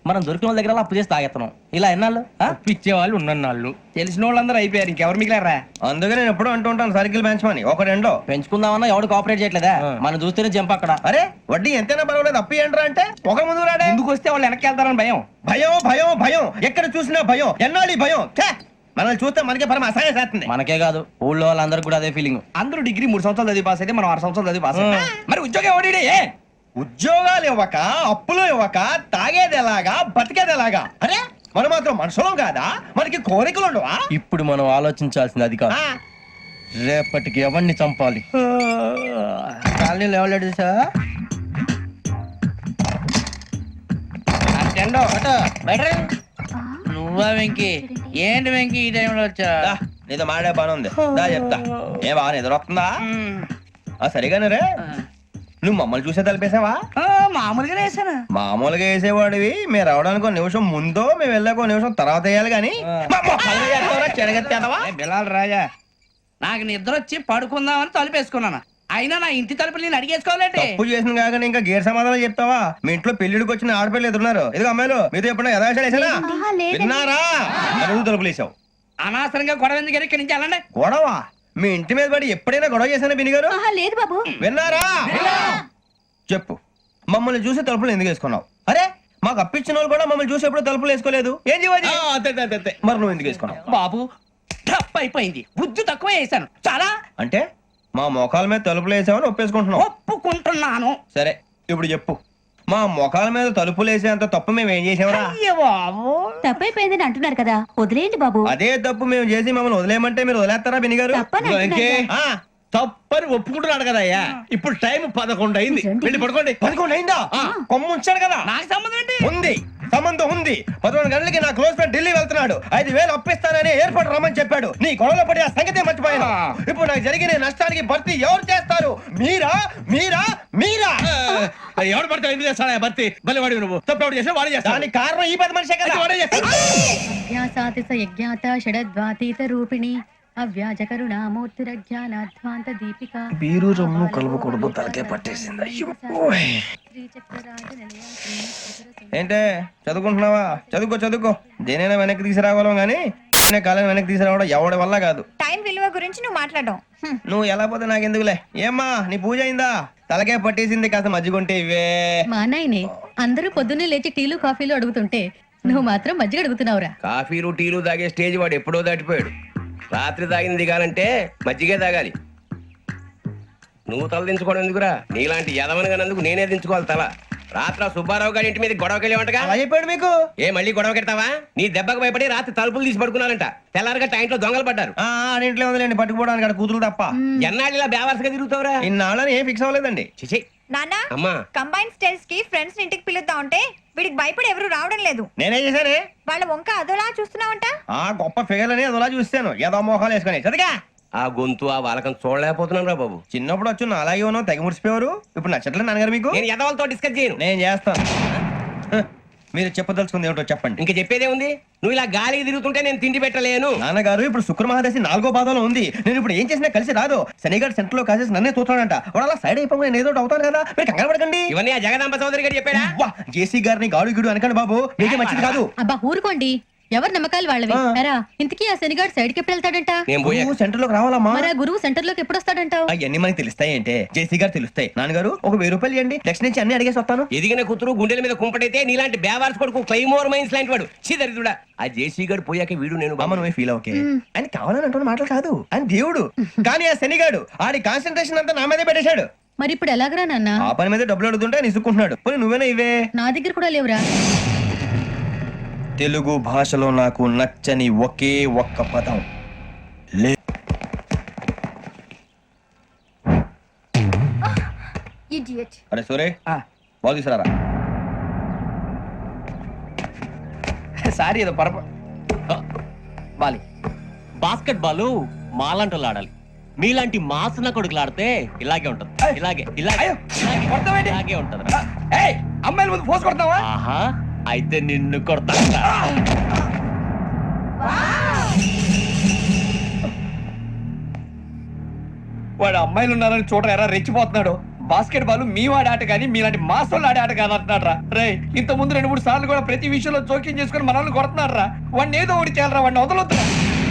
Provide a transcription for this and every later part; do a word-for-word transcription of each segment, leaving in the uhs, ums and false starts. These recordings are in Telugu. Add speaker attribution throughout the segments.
Speaker 1: మనం దొరికిన వాళ్ళ దగ్గర అప్పు చేసి తాగెత్తనం. ఇలా ఎన్నాళ్ళు
Speaker 2: ఇచ్చే వాళ్ళు ఉన్నన్నాళ్ళు తెలిసిన వాళ్ళందరూ అయిపోయారు, ఇంకెవరు మిగిలారా?
Speaker 3: అందుకే నేను ఎప్పుడు అంటూ ఉంటాను సర్కిల్ బెంచ్ మని ఒక రెండో
Speaker 1: పెంచుకుందామన్నా ఎవడు కోఆపరేట్ చేయట్లేదా? మనం చూస్తేనే జంప్ అక్కడ.
Speaker 3: అరే వడ్డీ ఎంతైనా పర్వాలేదు అప్పు ఏంట్రా అంటే ఒక ముందు రాడే.
Speaker 2: ముందుకు వస్తే వాళ్ళు వెనక్కి వెళ్తారని భయం.
Speaker 3: భయం భయం భయం ఎక్కడ చూసినా భయం. ఎన్నాళ్ళు ఈ భయం? ఛే! మనల్ని చూస్తే మనకే పరమ అసహాయం చేస్తుంది.
Speaker 1: మనకే కాదు ఊళ్ళో వాళ్ళందరూ కూడా అదే ఫీలింగ్.
Speaker 2: అందరూ డిగ్రీ మూడు సంవత్సరాలు చదివి పాస్ అయితే మనం ఆరు సంవత్సరాలు చదివి పాస్ అయ్యాం. మరి ఉద్యోగం ఎవడి? ఏ
Speaker 3: ఉద్యోగాలు ఇవ్వక అప్పులు ఇవ్వక తాగేది ఎలాగా బతికేది ఎలాగా? అరే మనం మాత్రం మనుషులం కాదా? మనకి కోరికలు ఉండవా?
Speaker 1: ఇప్పుడు మనం ఆలోచించాల్సింది అది కాదు, రేపటికి ఎవరిని చంపాలి. కాలనీలో ఎవరు సార్?
Speaker 4: నువ్వా వెంకీ? ఏంటి వెంకీ ఈ టైంలో వచ్చా?
Speaker 3: దా, నీతో మాడే పని ఉంది, దా చెప్తా. ఏ బాగా నిద్రొస్తుందా? ఆ సరిగానే రే, నువ్వు మమ్మల్ని చూసే తలిపేసావా?
Speaker 4: మామూలుగా వేసాను.
Speaker 3: మామూలుగా వేసేవాడివి. మేము రావడానికి ఒక నిమిషం ముందో మేము వెళ్ళాక ఒక నిమిషం తర్వాత వేయాలి కానీ
Speaker 2: బిలాల్ రాజా,
Speaker 4: నాకు నిద్ర వచ్చి పడుకుందామని తలుపేసుకున్నాను. అయినా నా ఇంటి తలుపులు నేను అడిగేసుకోవాలంటే
Speaker 3: తప్పు చేసిన కాక ఇంకా గేర్ సమాధానం చెప్తావా? మీ ఇంట్లో పెళ్లిడికి వచ్చిన ఆడపిల్లలు ఎదురున్నారు. ఇదిగో అమ్మాయిలు మీతో ఎప్పుడైనా యథాశాలు వేసానా? విన్నారా? అడుగు తలుపులు వేసావు.
Speaker 4: అనవసరంగా గొడవ ఎందుకు ఇక్కడి నుంచి వెళ్ళండి.
Speaker 3: గొడవ? మీ ఇంటి మీద పడి ఎప్పుడైనా గొడవ చేశానా బిని గారు?
Speaker 5: లేదు బాబు.
Speaker 3: విన్నారా? చెప్పు, మమ్మల్ని చూసి తలుపులు ఎందుకు వేసుకున్నావు? అరే మాకు అప్పించిన వాళ్ళు కూడా మమ్మల్ని చూసి ఎప్పుడు తలుపులు వేసుకోలేదు. ఏం చేయాలి? మరి నువ్వు ఎందుకు వేసుకున్నావు?
Speaker 4: బాబు టప్ అయిపోయింది, బుద్ధి తక్కువ వేసాను చాలా.
Speaker 3: అంటే మా మోకాల మీద తలుపులు వేసామని ఒప్పేసుకుంటున్నావు?
Speaker 4: ఒప్పుకుంటున్నాను.
Speaker 3: సరే ఇప్పుడు చెప్పు, మా మొఖాల మీద తలుపులు వేసేంత తప్పు మేము ఏం చేసామరా?
Speaker 5: తప్పైపోయిందని అంటున్నారు కదా, వదిలేయండి బాబు.
Speaker 3: అదే తప్పు మేము చేసి మమ్మల్ని వదిలేయమంటే మీరు వదిలేస్తారా బిని గారు?
Speaker 2: తప్పని ఒప్పుకుంటున్నాడు కదా అయ్యా. ఇప్పుడు టైం పదకొండు అయింది, వెళ్ళి పడుకోండి.
Speaker 3: పదకొండు అయిందా? కొమ్ము ఉంచాడు కదా.
Speaker 4: నాకు సంబంధం ఏంటి?
Speaker 3: ఉంది, సంబంధం ఉంది. పదకొండు గంటలకి నా క్లోజ్ ఫ్రెండ్ ఢిల్లీ వెళ్తున్నాడు. ఐదు వేలు అప్పిస్తానని ఎయిర్పోర్ట్ రమ్మని చెప్పాడు. నీ గొడవలో పడి ఆ సంగతి మర్చిపోయాను. ఇప్పుడు నాకు జరిగిన నష్టానికి భర్తీ ఎవరు చేస్తారు? మీరా మీరా మీరా?
Speaker 2: ఎవడు పడితే ఎందుకు చేస్తాడా భర్తీ? మళ్ళీ వాడి నువ్వు తప్పు ఎవడు చేసా వాడే చేస్తా.
Speaker 3: దానికి కారణం ఈ పది మనిషే కదా. వాడే చేస్తాడు.
Speaker 5: యజ్ఞాత షడద్వాతీత రూపిణి అవ్యాజ కరుణామూర్తిరజ్ఞానాధ్వాంత దీపిక.
Speaker 3: బీరు రమ్ము కలుపుకూడదు, తలకే పట్టేసింది. ఏంటే చదువుకుంటున్నావా? చదువుకో చదువుకో. దేనైనా వెనక్కి తీసుకురావాలం గానీ కాలం వెనక్కి తీసుకురావడం ఎవడి వల్ల కాదు.
Speaker 5: టైం విలువ గురించి నువ్వు మాట్లాడడం.
Speaker 3: నువ్వు ఎలా పోతే నాకెందుకులే. ఏమ్మా నీ పూజ అయిందా? తలకే పట్టేసింది, కాస్త మజ్జిగుంటే ఇవే.
Speaker 5: మా నాయనే అందరూ పొద్దున్నే లేచి టీలు కాఫీలు అడుగుతుంటే నువ్వు మాత్రం మజ్జిగ అడుగుతున్నావురా.
Speaker 6: కాఫీలు టీలు తాగే స్టేజ్ వాడు ఎప్పుడో దాటిపోయాడు. రాత్రి తాగింది దిగాలంటే మజ్జిగే తాగాలి. నువ్వు తల దించుకోవడం ఎందుకురా? నీలాంటి యదవనగానందుకు నేనే దించుకోవాలి తల. రాత్రి సుబ్బారావు గారి ఇంటి మీద గొడవకి వెళ్ళేవంటగా.
Speaker 3: అలా చెప్పాడు మీకు?
Speaker 6: ఏ మళ్ళీ గొడవ కెడతావా? నీ దెబ్బకు భయపడి రాత్రి తలుపులు తీసి పడుకున్నారంట. తెల్లారగా టైంట్లో దొంగలు పడ్డారు.
Speaker 3: ఇంట్లో ఉందిలేండి, పట్టుకుపోవడానికి అక్కడ కూతురు తప్ప.
Speaker 6: ఎన్నాళ్ళు ఇలా బేవర్సగా తిరుగుతావురా?
Speaker 3: ఇన్నాళ్ళని ఏం ఫిక్స్ అవ్వలేదండి.
Speaker 6: చిచి
Speaker 5: నాన్న,
Speaker 6: అమ్మా
Speaker 5: కంబైన్ స్టైల్స్ కి ఫ్రెండ్స్ ఇంటికి పిలుద్దాం అంటే వీడికి భయపడి ఎవరు రావడం లేదు.
Speaker 3: నేనేం చేశానే?
Speaker 5: వాళ్ళ వంక అదోలా చూస్తున్నావంట.
Speaker 3: ఆ గొప్ప ఫిగర్ అని అదోలా చూస్తాను, ఏదో మోహాలు వేసుకొని. చదిగా
Speaker 6: ఆ గొంతు ఆ వాలకం చూడలేకపోతున్నాను రా బాబు.
Speaker 3: చిన్నప్పుడు వచ్చి నా అలాగే ఉన్నావు, తెగ ముడిచిపోయారు. ఇప్పుడు నచ్చట్లేదు నాన్నగారు మీకు?
Speaker 6: నేను యదవలతో డిస్కస్ చేయను.
Speaker 3: నేను చేస్తాను. మీరు చెప్పదలుచుకుంది ఏమిటో చెప్పండి.
Speaker 6: ఇంకా చెప్పేదే ఉంది. నువ్వు ఇలా గాలికి తిరుగుతుంటే నేను తిండి పెట్టలేను.
Speaker 3: నాన్నగారు ఇప్పుడు శుక్ర మహాదశి నాలుగో పాదంలో ఉంది. నేను ఇప్పుడు ఏం చేసినా కలిసి రాదు. శనిగారు సెంటర్ లో కాసేసి నన్నే చూస్తాడంట. వాడు అలా సైడ్ అయిపోయి నేను ఏదో అవుతాను కదా, మీరు కంగారు పడకండి.
Speaker 6: ఇవన్నీ ఆ జగదాంబ చౌదరి గారు చెప్పాడా?
Speaker 3: జేసీ గారిని గాడు గిడు అనకండి బాబు, మీకే మంచిది కాదు.
Speaker 5: అబ్బా ఊరుకోండి, ఎవరి నమ్మకాలు వాళ్ళవి. ఇంతకీ ఆ శనిగాడు సైడ్ కి ఎప్పుడు వెళ్తాడంట?
Speaker 3: నేను సెంటర్ లోకి రావాలమ్మా.
Speaker 5: మరి గురువు సెంటర్ లోకి ఎప్పుడు వస్తాడంటావు?
Speaker 3: అవన్నీ మనకి తెలుస్తాయి అంటే జేసీ గారు తెలుస్తాయి. నాన్నగారు ఒక వెయ్యి రూపాయలు ఇవ్వండి, నెక్స్ట్ నుంచి అన్ని అడిగేసి వస్తాను.
Speaker 6: ఎదిగిన కూతురు గుండెల మీద కుంపటైతే నీలాంటి బేవార్స్ కొడుకు క్లైమోర్ మైన్స్ లాంటి వాడు చీదరిదుడా. ఆ జేసీ గారు పోయాక వీడు నేను
Speaker 3: బామ్మ నువ్వే ఫీల్ ఓకే. ఆయన కావాలని అంటున్న మాటలు కాదు, ఆయన దేవుడు. కానీ ఆ శనిగాడు ఆడి కాన్సన్ట్రేషన్ అంతా నా మీదే పెట్టేశాడు.
Speaker 5: మరి ఇప్పుడు ఎలాగరా నాన్న?
Speaker 3: ఆ పని మీద డబ్బులు అడుగుతుంటే నిసుకుంటున్నాడు. పోనీ నువ్వేనా ఇవే?
Speaker 5: నా దగ్గర కూడా లేవురా.
Speaker 3: తెలుగు భాషలో నాకు నచ్చని ఒకే ఒక్క పదం లే. అరే సూరే, బాల్ తీసుకురారా.
Speaker 2: సారీ ఏదో పరప బాలి.
Speaker 1: బాస్కెట్ బాల్ మాలాంటి వాళ్ళు ఆడాలి, మీలాంటి మాసన కొడుకులు ఆడితే ఇలాగే ఉంటది. ఇలాగే ఇలాగే ఇలాగే ఉంటది.
Speaker 2: అమ్మాయిల ముందు ఫోర్స్ కొడతావా?
Speaker 1: ఆహా, అయితే నిన్ను కొడతా.
Speaker 2: వాడు అమ్మాయిలు ఉన్నారని చూడరా, ఎరా రెచ్చిపోతున్నాడు.
Speaker 7: బాస్కెట్ బాల్ మీ వాడి ఆట కానీ మీలాంటి మాసోళ్ళు ఆడే ఆట కాదు అంటున్నారా రే ఇంత ముందు రెండు మూడు సార్లు కూడా ప్రతి విషయంలో జోక్యం చేసుకుని మనల్ని కొడుతున్నారా వాడిని ఏదో ఒకటి చేయాలరా వాడిని వదలొద్దురా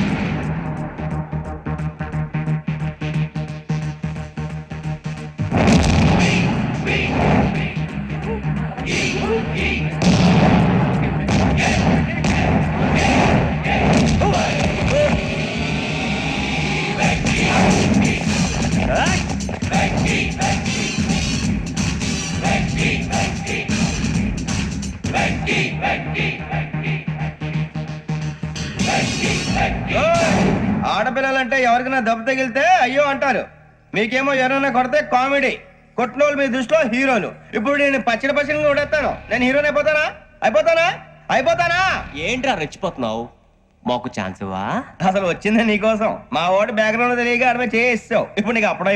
Speaker 3: ఆడపిల్లలంటే ఎవరికైనా దెబ్బ తగిలితే అయ్యో అంటారు, మీకేమో ఎవరైనా కొడితే కామెడీ. కొట్టినోళ్ళు మీ దృష్టిలో హీరోలు. ఇప్పుడు నేను పచ్చడి పచ్చడిగా కొడేస్తాను, నేను హీరోని అయిపోతానా? అయిపోతానా? అయిపోతానా?
Speaker 1: ఏంట్రా రెచ్చిపోతున్నావు? మాకు ఛాన్స్ ఇవ్వా?
Speaker 3: అసలు వచ్చింది నీకోసం. మా ఓటు బ్యాక్గ్రౌండ్ తెలియక అడిమే చేసావు. ఇప్పుడు నీకు అప్పుడు